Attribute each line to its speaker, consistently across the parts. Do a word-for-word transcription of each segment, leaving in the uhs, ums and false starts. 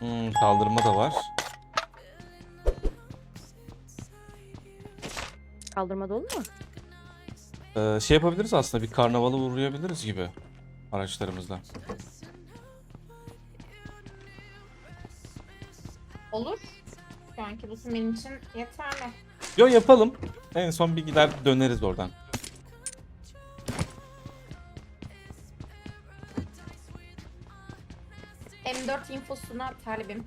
Speaker 1: Hmm, kaldırma da var.
Speaker 2: Kaldırma dolu mu?
Speaker 1: Ee, şey yapabiliriz aslında, bir karnavalı uğrayabiliriz gibi araçlarımızla.
Speaker 3: Olur. Şu anki bu benim için yeterli.
Speaker 1: Yo, yapalım. En son bir gider döneriz oradan.
Speaker 3: M dört infosuna talibim.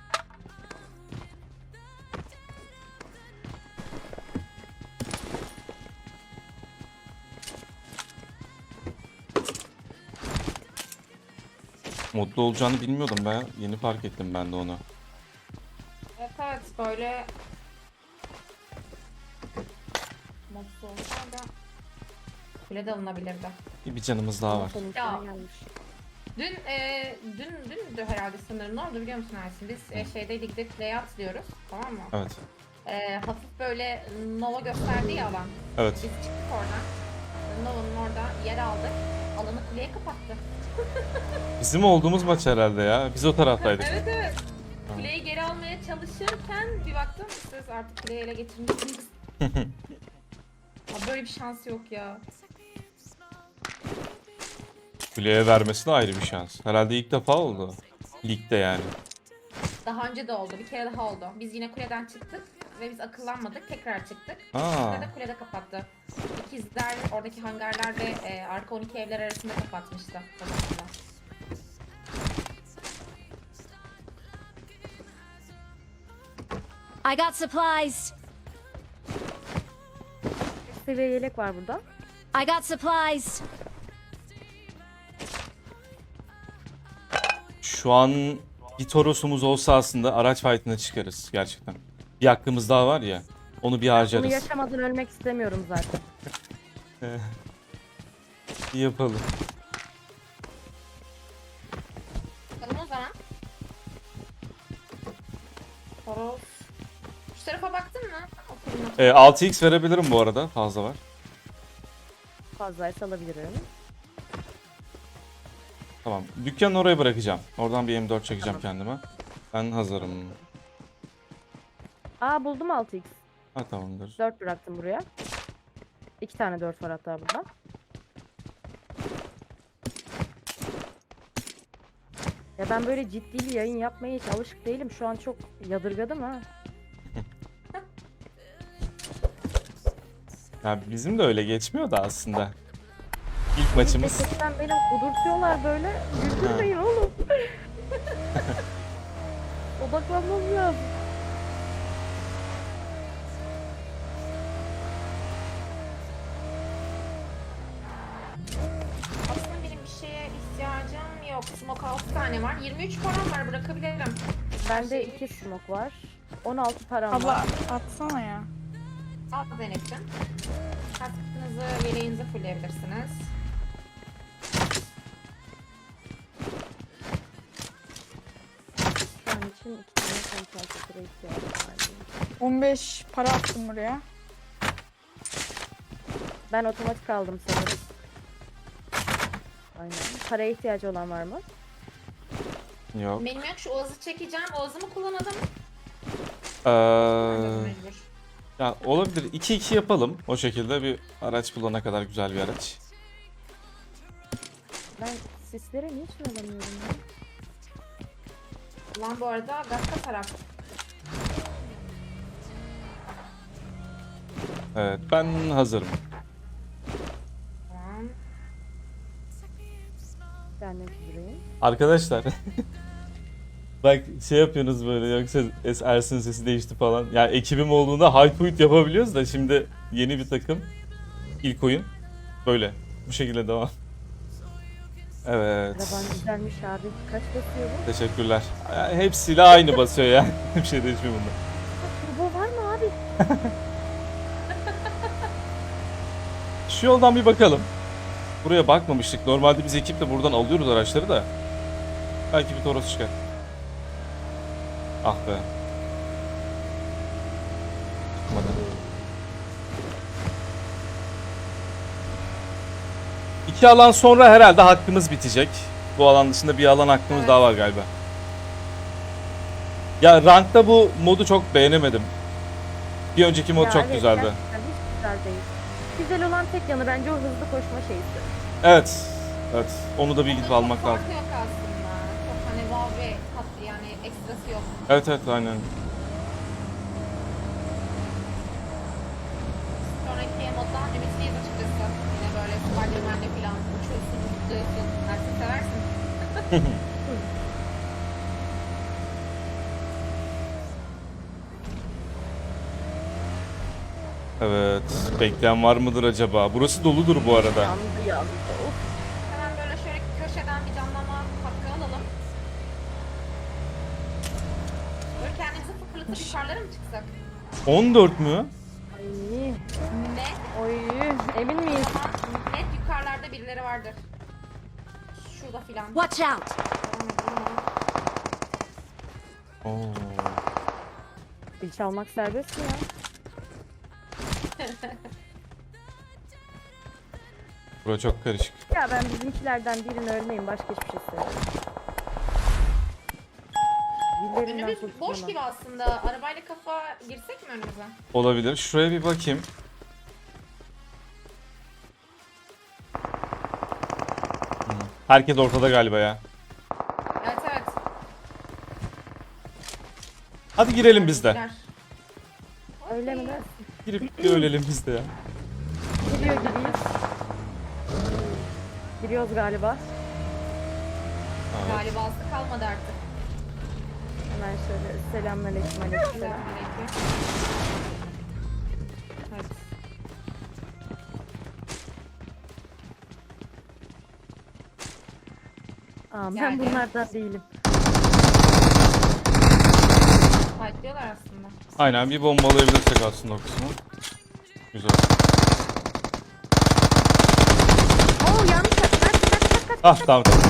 Speaker 1: Modlu olacağını bilmiyordum ben. Yeni fark ettim ben de onu.
Speaker 3: Evet evet böyle modsuz olsa da kule de alınabilirdi.
Speaker 1: Bir canımız daha var.
Speaker 2: Senin
Speaker 3: Ya.
Speaker 2: içine gelmiş.
Speaker 3: Dün e, dün dündü herhalde sanırım. Ne oldu biliyor musun Ersin? Biz e, şeydeydik, gidip layout diyoruz, tamam mı?
Speaker 1: Evet.
Speaker 3: E, hafif böyle Nova gösterdi ya alan.
Speaker 1: Evet.
Speaker 3: Biz çıktık oradan. Nova'nın orada yer aldık. Alanı kuleye kapattı.
Speaker 1: Bizim olduğumuz maç herhalde ya. Biz o taraftaydık.
Speaker 3: Evet evet. Kuleyi geri almaya çalışırken bir baktım siz artık kuleyi ele geçirmişsiniz. Aa, böyle bir şans yok ya.
Speaker 1: Kuleye vermesi de ayrı bir şans. Herhalde ilk defa oldu. Ligde yani.
Speaker 3: Daha önce de oldu. Bir kere daha oldu. Biz yine kuleden çıktık ve biz akıllanmadık. Tekrar çıktık.
Speaker 1: Aa.
Speaker 3: Kulede kulede kapattı. İkizler oradaki hangarlar ve e, arka on iki evler arasında kapatmıştı. Babasıyla.
Speaker 4: I got supplies.
Speaker 2: Seviye yelek var burada.
Speaker 4: I got supplies.
Speaker 1: Şu an bir Toros'umuz olsa aslında araç fight'ına çıkarız gerçekten. Bir hakkımız daha var ya. Onu bir
Speaker 2: Bunu
Speaker 1: harcarız.
Speaker 2: yaşamadan ölmek istemiyorum zaten.
Speaker 1: Bir yapalım.
Speaker 3: Bakalım o zaman. Toros. Şu tarafa baktın mı? O fırına.
Speaker 1: Ee, altı x verebilirim bu arada. Fazla var.
Speaker 2: Fazlaysa alabilirim.
Speaker 1: Tamam. Dükkanı oraya bırakacağım. Oradan bir M dört çekeceğim kendime. Ben hazırım.
Speaker 2: Aa buldum altı x.
Speaker 1: Ha, tamamdır.
Speaker 2: dört bıraktım buraya. İki tane dört var hatta burada. Ya ben böyle ciddi bir yayın yapmaya hiç alışık değilim. Şu an çok yadırgadım ha.
Speaker 1: Ya bizim de öyle geçmiyor da aslında. İlk maçımız.
Speaker 2: Sesten beni kudurtuyorlar böyle. Güldürmeyin oğlum. Odaklanmam lazım.
Speaker 3: Aslında benim bir şeye ihtiyacım yok. Smoke altı tane var. yirmi üç param var, bırakabilirim.
Speaker 2: Bende iki smoke var. on altı param
Speaker 5: Abla
Speaker 2: var.
Speaker 5: atsana ya.
Speaker 3: Al Zeynep'ciğim. Kaskınızı, yeleğinizi fullleyebilirsiniz.
Speaker 2: Şu an için iki tane konsantratöre ihtiyacım var.
Speaker 5: on beş para attım buraya.
Speaker 2: Ben otomatik aldım sanırım. Aynen. Paraya ihtiyacı olan var mı?
Speaker 1: Yok.
Speaker 3: Benim yok, şu Oğaz'ı çekeceğim. Oğaz'ı mı kullanalım?
Speaker 1: Ee,
Speaker 3: Mecbur.
Speaker 1: ya olabilir. iki iki yapalım. O şekilde bir araç bulana kadar güzel bir araç.
Speaker 2: Ben sislere niçin alamıyorum ya?
Speaker 3: Ulan bu arada Gatka taraf.
Speaker 1: Evet, ben hazırım.
Speaker 3: Tamam.
Speaker 2: Ben de süzüleyim.
Speaker 1: Arkadaşlar. Bak şey yapıyorsunuz böyle, yoksa Es- Ersin sesi değişti falan. Ya ekibim olduğunda high point yapabiliyoruz da şimdi yeni bir takım. İlk oyun. Böyle. Bu şekilde devam. Evet.
Speaker 2: Araban güzelmiş abi. Kaç basıyor bu?
Speaker 1: Teşekkürler. Ya, hepsiyle aynı basıyor ya. Bir şey değişmiyor bunda.
Speaker 2: Turbo var mı abi?
Speaker 1: Şu yoldan bir bakalım. Buraya bakmamıştık. Normalde biz ekiple buradan alıyoruz araçları da. Belki bir Toros çıkar. Ah be. Çıkmadı. İki alan sonra herhalde hakkımız bitecek. Bu alan dışında bir alan hakkımız
Speaker 3: Evet.
Speaker 1: daha var galiba. Ya rankta bu modu çok beğenemedim. Bir önceki mod
Speaker 2: Ya
Speaker 1: çok
Speaker 2: evet,
Speaker 1: güzeldi.
Speaker 2: gerçekten hiç güzel değil. Güzel olan tek yanı bence o hızlı koşma şeysi.
Speaker 1: Evet. Evet. Onu da bir gidip
Speaker 3: Onun
Speaker 1: almak
Speaker 3: çok
Speaker 1: lazım.
Speaker 3: farkı yok aslında. Çok hani wow ve tatlı yani ekstrası yok.
Speaker 1: Evet evet aynen.
Speaker 3: Sonraki moddan ümitliyiz açıkçası. Yine böyle Spider-Man'le falan uçuyorsun, zıplıyorsun. Artık seversin.
Speaker 1: Evet. Bekleyen var mıdır acaba? Burası doludur bu arada.
Speaker 2: Yandı yandı. Of.
Speaker 3: Hemen böyle şöyle köşeden bir canlama hakkı alalım. Böyle kendimizi fıkırlatıp yukarılara mı çıksak?
Speaker 1: on dört mü?
Speaker 2: Ay.
Speaker 3: Ne?
Speaker 2: Oy. Emin miyiz?
Speaker 3: Ama net yukarılarda birileri vardır. Şurada filan.
Speaker 4: Watch out!
Speaker 3: Devam edelim ama.
Speaker 1: Oo.
Speaker 2: Bil çalmak serbest mi ya?
Speaker 1: Bura çok karışık.
Speaker 2: Ya ben bizimkilerden birini ölmeyeyim, başka hiçbir şey istemiyorum. Dillerinden
Speaker 3: Önümüz boş
Speaker 2: kurtulamam.
Speaker 3: gibi aslında. Arabayla kafa girsek mi önümüze?
Speaker 1: Olabilir. Şuraya bir bakayım. Hmm. Herkes ortada galiba ya.
Speaker 3: Evet evet.
Speaker 1: Hadi girelim biz de.
Speaker 3: Girer.
Speaker 2: Öyle mi dersin?
Speaker 1: Girip bir ölelim biz de ya.
Speaker 2: Giriyor gibiyiz. Giriyoruz galiba.
Speaker 1: Evet.
Speaker 3: Galiba aslı kalmadı artık.
Speaker 2: Hemen şöyle selamünaleyküm aleyküm.
Speaker 3: Selamünaleyküm. Evet.
Speaker 2: Aa, ben
Speaker 3: Yani.
Speaker 2: bunlardan değilim.
Speaker 3: Fightlıyorlar aslında.
Speaker 1: Aynen bir bombalayabilirsek aslında o kısmı. Güzel.
Speaker 2: Oo yanlış yaptım. Kaç kaç kaç kaç.
Speaker 1: Ah tamam tamam.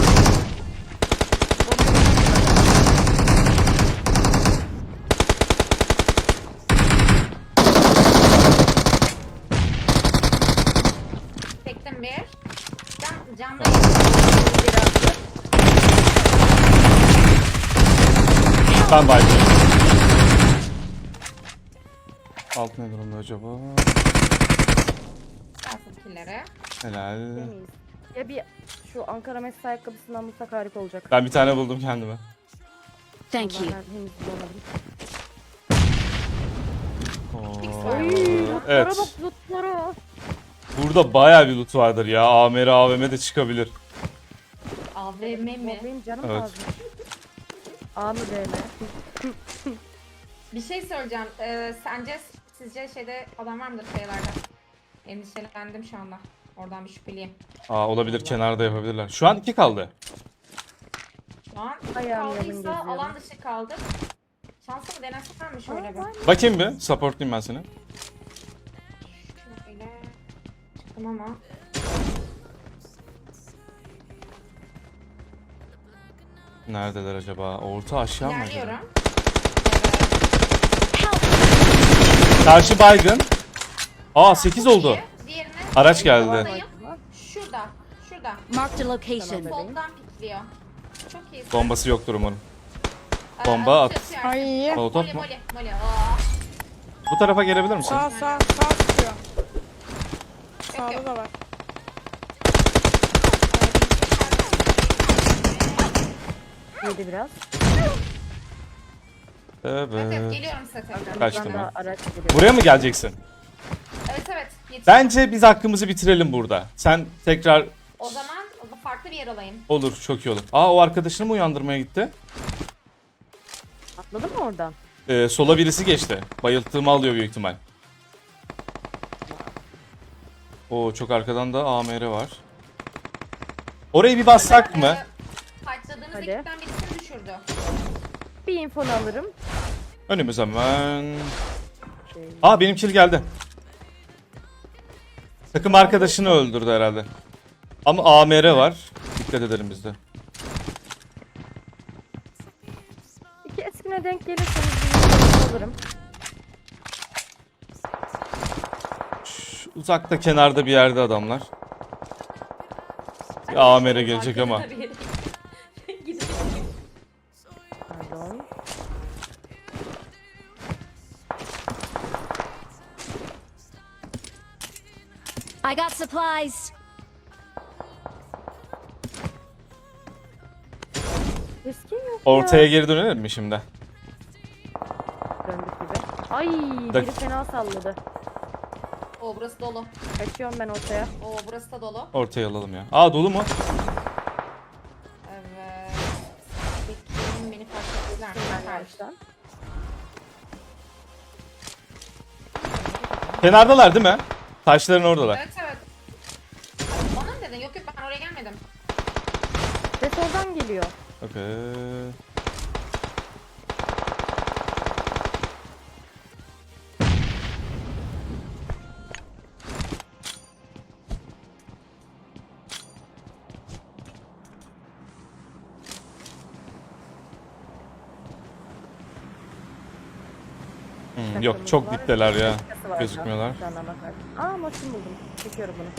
Speaker 3: Tektim bir. Can, canlı
Speaker 1: Ben bayılıyorum. Alt ne durumda acaba?
Speaker 3: kalsın killere.
Speaker 1: Helal.
Speaker 2: Miyiz? Ya bir şu Ankara Messi ayakkabısından bulsak harika olacak.
Speaker 1: Ben bir tane buldum kendime.
Speaker 4: Thank you.
Speaker 2: Ben henüz bulamadım.
Speaker 1: Oo.
Speaker 2: Oy, lootlara
Speaker 1: Evet.
Speaker 2: bak lootlara.
Speaker 1: Burada bayağı bir loot vardır ya. A M R A V M de çıkabilir.
Speaker 3: A V M mi?
Speaker 2: Benim canım
Speaker 1: Evet.
Speaker 2: lazım. A mı B mi?
Speaker 3: Bir şey söyleyeceğim. Ee, sence sizce şeyde adam var mıdır sayılarda? Endişelendim şu anda. Oradan bir şüpheliyim.
Speaker 1: Aa olabilir, kenarda yapabilirler. Şu an iki kaldı.
Speaker 3: Şu an
Speaker 2: Ayağım yalın
Speaker 3: kaldıysa
Speaker 2: geziyorum.
Speaker 3: alan dışı kaldı. Şansımı denesem mi şöyle bir?
Speaker 1: Bakayım bir. Supportlayayım ben seni.
Speaker 3: Şöyle çıktım ama.
Speaker 1: Neredeler acaba? Orta aşağı mı acaba?
Speaker 3: İlerliyorum.
Speaker 1: Karşı baygın. Aa sekiz oldu.
Speaker 3: Diğerine
Speaker 1: Araç geldi.
Speaker 3: Oradayım. Şurada. Şurada.
Speaker 4: Marked a location.
Speaker 2: Tamam.
Speaker 3: Soldan pikliyor. Çok iyi.
Speaker 1: Bombası yoktur umarım.
Speaker 3: Ee,
Speaker 1: bomba at.
Speaker 3: atıyor.
Speaker 5: Ay.
Speaker 1: Molotov
Speaker 3: Moli
Speaker 1: mu?
Speaker 3: moli moli. Aa.
Speaker 1: Bu tarafa gelebilir misin?
Speaker 5: Sağ sağ sağ tutuyor. Sağda
Speaker 3: yok.
Speaker 5: da var.
Speaker 2: Yedi biraz.
Speaker 3: Evet, evet
Speaker 1: Evet.
Speaker 3: geliyorum size tekrar.
Speaker 1: Kaçtım
Speaker 2: Buradan
Speaker 1: ben.
Speaker 2: da araç geliyor.
Speaker 1: Buraya mı geleceksin?
Speaker 3: Evet evet. Yetiştim.
Speaker 1: Bence biz hakkımızı bitirelim burada. Sen tekrar
Speaker 3: O zaman farklı bir yer alayım.
Speaker 1: olur, çok iyi olur. Aa o arkadaşını mı uyandırmaya gitti?
Speaker 2: Atladın mı oradan?
Speaker 1: Ee, sola birisi geçti. Bayılttığımı alıyor büyük ihtimal. Oo çok arkadan da A M R var. Orayı bir bassak mı?
Speaker 3: Ee, Fightladığınız
Speaker 2: Hadi.
Speaker 3: ekipten birisini düşürdü.
Speaker 2: Bir infonu alırım.
Speaker 1: Önümüz hemen.
Speaker 2: Şey,
Speaker 1: Aa benim kill geldi. Takım arkadaşını öldürdü herhalde. Ama A M R var. Dikkat edelim biz de.
Speaker 2: İki eskine denk gelirseniz bir infonu alırım.
Speaker 1: Şu uzakta kenarda bir yerde adamlar. Bir A M R gelecek ama.
Speaker 3: Gidin.
Speaker 2: Pardon.
Speaker 4: I got supplies.
Speaker 2: Eski yok
Speaker 1: Ortaya
Speaker 2: ya.
Speaker 1: geri dönelim mi şimdi?
Speaker 2: Döndük gibi. Ay
Speaker 1: Dak-
Speaker 2: biri fena salladı.
Speaker 3: Oo burası dolu.
Speaker 2: Kaçıyorum ben ortaya.
Speaker 3: Oo burası da dolu.
Speaker 1: Ortaya alalım ya. Aa dolu mu?
Speaker 3: Evet. Bekleyin beni fark ettiler.
Speaker 2: Ben
Speaker 3: Süper.
Speaker 2: yavaştan.
Speaker 1: Kenardalar değil mi? Taşların oradalar.
Speaker 3: Evet evet. Bana mı dedin? Yok yok ben oraya gelmedim.
Speaker 2: Ses oradan geliyor.
Speaker 1: Okey. Hmm, yok çok
Speaker 2: Takımız var.
Speaker 1: dipteler ya.
Speaker 2: Başkası var
Speaker 1: Gözükmüyorlar.
Speaker 2: şu anda bakar. Aa maçın buldum. Çekiyorum bunu.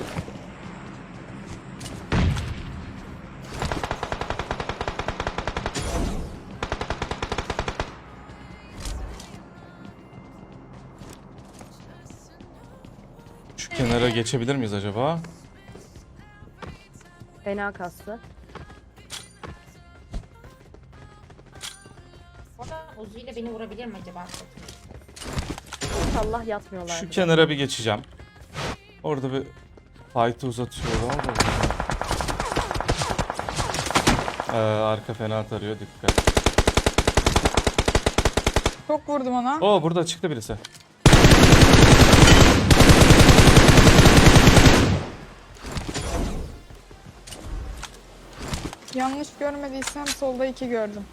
Speaker 1: Şu kenara geçebilir miyiz acaba?
Speaker 2: Fena kastı.
Speaker 3: Orada Uzi ile beni vurabilir mi acaba?
Speaker 2: İnşallah yatmıyorlar.
Speaker 1: Şu kenara bir geçeceğim. Orada bir fight'ı uzatıyorlar da. Ee, arka fena tarıyor, dikkat.
Speaker 5: Çok vurdum ona.
Speaker 1: Oo burada çıktı birisi.
Speaker 5: Yanlış görmediysem solda iki gördüm.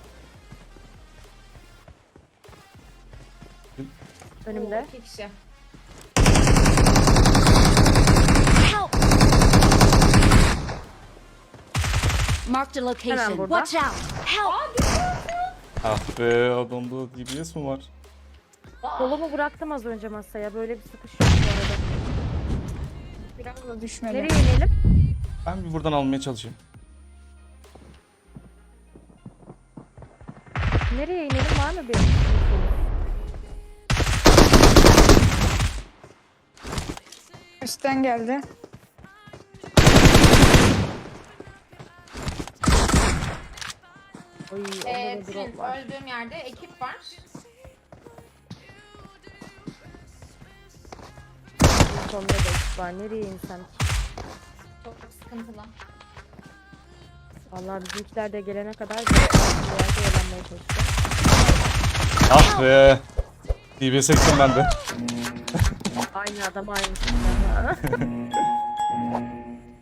Speaker 2: Önümde.
Speaker 3: Oo, iki kişi.
Speaker 4: Help! Marked a location.
Speaker 2: burada.
Speaker 4: Watch out! Help!
Speaker 1: Ah be adamda D B S mi var?
Speaker 2: Kolumu bıraktım az önce masaya. Böyle bir sıkış yok bu arada.
Speaker 5: Biraz da düşmedi.
Speaker 2: Nereye inelim?
Speaker 1: Ben bir buradan almaya çalışayım.
Speaker 2: Nereye inelim var mı bir?
Speaker 5: Üstten geldi.
Speaker 2: Oy, orada
Speaker 3: Ee,
Speaker 2: da
Speaker 3: Trin,
Speaker 2: drop var.
Speaker 3: öldüğüm yerde ekip var.
Speaker 2: Sonunda da ekip var. Nereye insem ki?
Speaker 3: Çok sıkıntılı.
Speaker 2: Vallahi bizimkiler de gelene kadar bir yerde eğlenmeye çalışacağım.
Speaker 1: Ah be. D B S ektim ben de.
Speaker 2: Aynı adam aynı.